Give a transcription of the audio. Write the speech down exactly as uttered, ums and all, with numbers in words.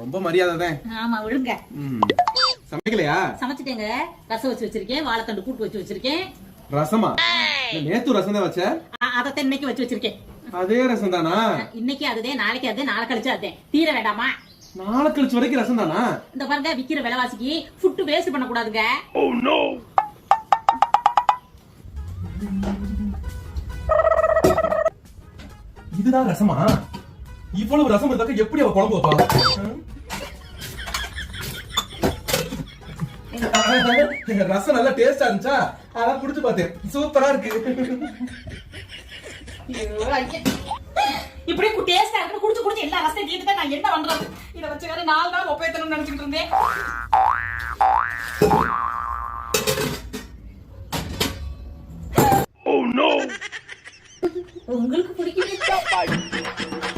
ரொம்ப மரியாதை தான். ஆமா விழுங்க. சமைக்கலையா? சமைச்சிட்டேங்க. ரசம் வச்சு வச்சிருக்கேன், வாழைத்தண்டு கூட்டு வச்சு வச்சிருக்கேன். ரசமா? நேத்து ரசம் தான் வச்ச? அதத்தான் இன்னைக்கு வச்சு வச்சிருக்கேன். அதே ரசம் தானா? இன்னைக்கு அதுதே, நாளைக்கு அதே, நாளை கழிச்சு அதே. தீர வேண்டாமா? நாளை கழிச்சு வரைக்கும் ரசம் தானா? இந்த பாருங்க, விக்கிற விலைவாசிக்கு ஃபுட் வேஸ்ட் பண்ண கூடாதுங்க. Oh no. இதுதான் ரசமா? இவ்வளவு ரசம் இருந்தாக்க எப்படி அவ குழம்பு வைப்பா? ரசம் நல்லா டேஸ்டா இருந்துச்சா? அதான் குடிச்சு பார்த்தேன். சூப்பரா இருக்கு. இப்படி டேஸ்டா இருக்கு குடிச்சு குடிச்சு எல்லா ரசத்தையும் தீர்த்துட்டா நான் என்ன பண்றது? இத வச்சு வேற நாலு நாள் ஒப்பேத்தணும்னு நினைச்சிட்டு இருந்தேன். Oh no! உங்களுக்கு பிடிக்கும்.